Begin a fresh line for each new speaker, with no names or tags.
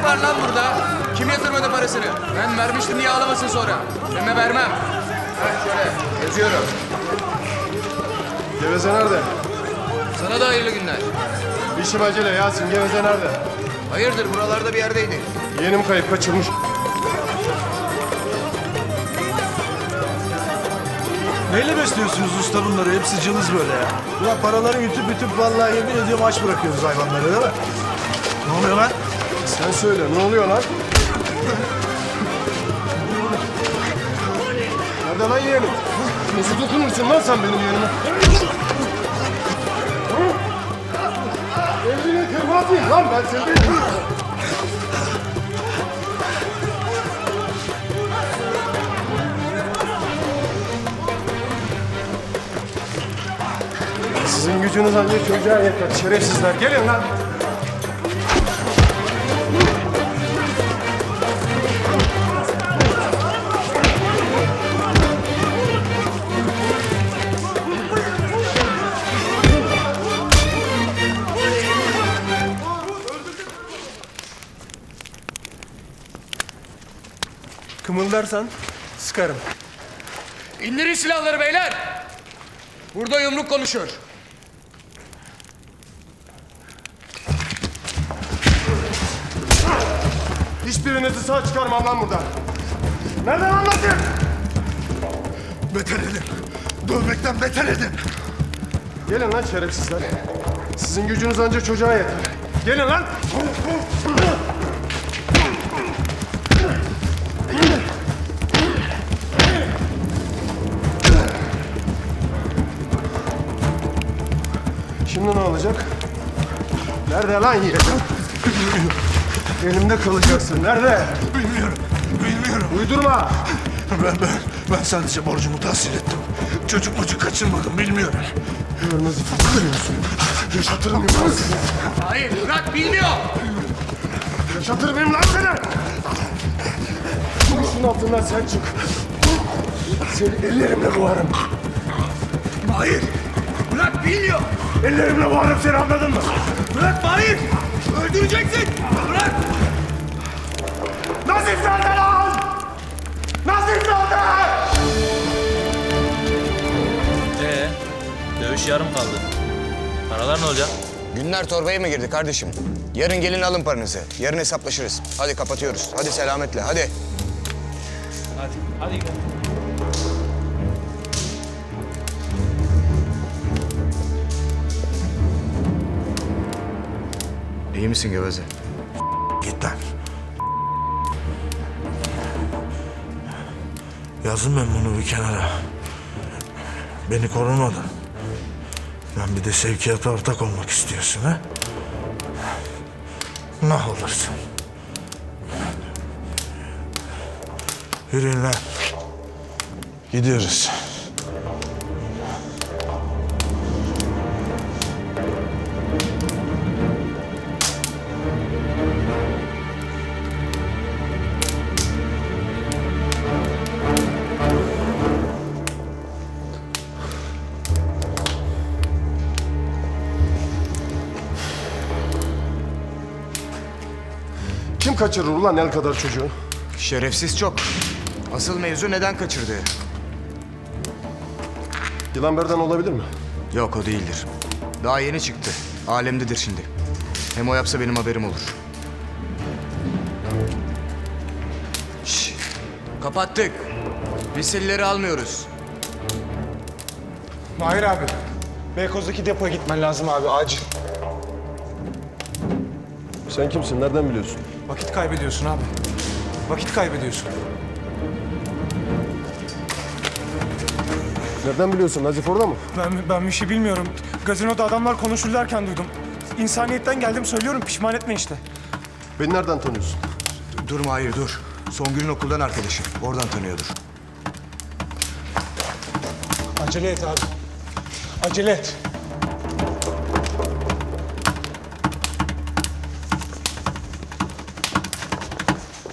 var lan burada? Kim yatırmadı parasını? Ben vermiştim diye ağlamasın sonra. Deme vermem. Heh şöyle yazıyorum.
Geveze nerede?
Sana da hayırlı günler.
İşim acele Yasin. Geveze nerede?
Hayırdır buralarda bir yerdeydi.
Yeğenim kayıp kaçırmış.
Neyle besliyorsunuz usta bunları? Hepsi cılız böyle ya. Ulan paraları yutup vallahi yemin ediyorum aç bırakıyoruz hayvanları değil mi? Ne oluyor lan?
Sen söyle ne oluyor lan? Nerede lan yeğenim? Nasıl dokunursun lan sen benim yeğenime? Elini kırmadın lan ben seni. Sizin gücünüz ancak çocuğa yeter. Şerefsizler gelin lan.
Kımıldarsan sıkarım.
İndirin silahları beyler. Burada yumruk konuşuyor.
Hiçbirinizi sağ çıkarmam lan buradan. Nereden anlatayım?
Beter edin. Dövmekten beter edin.
Gelin lan şerefsizler. Sizin gücünüz ancak çocuğa yeter. Gelin lan. Şimdi ne olacak? Nerede lan yeğenim? Elimde kalacaksın. Nerede?
Bilmiyorum.
Uydurma.
Ben sadece borcumu tahsil ettim. Çocuk kaçırmadım bilmiyorum.
Kırmızı tutuyorsun. Yaşatır mıyım lan seni?
Hayır bırak bilmiyor.
Yaşatır mıyım lan seni? Şunun altından sen çık. Seni ellerimle boğarım.
Hayır.
Bırak bilmiyor.
Ellerimle boğarım seni anladın mı?
Bırak Mahir. Öldüreceksin. Bırak.
Nazif nerede lan? Nazif nerede?
Dövüş yarım kaldı. Paralar ne olacak?
Günler torbaya mı girdi kardeşim? Yarın gelin alın paranızı. Yarın hesaplaşırız. Hadi kapatıyoruz. Hadi selametle hadi.
Hadi gidelim.
İyi misin Geveze?
Git lan. Yazdım ben bunu bir kenara. Beni korumadın. Ben bir de sevkiyata ortak olmak istiyorsun ha? Ne olursun. Yürüyün lan. Gidiyoruz.
Kim kaçırır ulan el kadar çocuğu?
Şerefsiz çok. Asıl mevzu neden kaçırdığı.
Yılanber'den olabilir mi?
Yok o değildir. Daha yeni çıktı. Alemdedir şimdi. Hem o yapsa benim haberim olur. Şş, kapattık. Misilleri almıyoruz.
Mahir abi, Beykoz'daki depoya gitmen lazım abi, acil.
Sen kimsin? Nereden biliyorsun?
Vakit kaybediyorsun abi. Vakit kaybediyorsun.
Nereden biliyorsun? Nazif orada mı?
Ben bir şey bilmiyorum. Gazinoda adamlar konuşurlarken duydum. İnsaniyetten geldim söylüyorum, pişman etme işte.
Beni nereden tanıyorsun?
Dur Mahir dur. Songül'ün okuldan arkadaşı. Oradan tanıyordur.
Acele et abi. Acele et.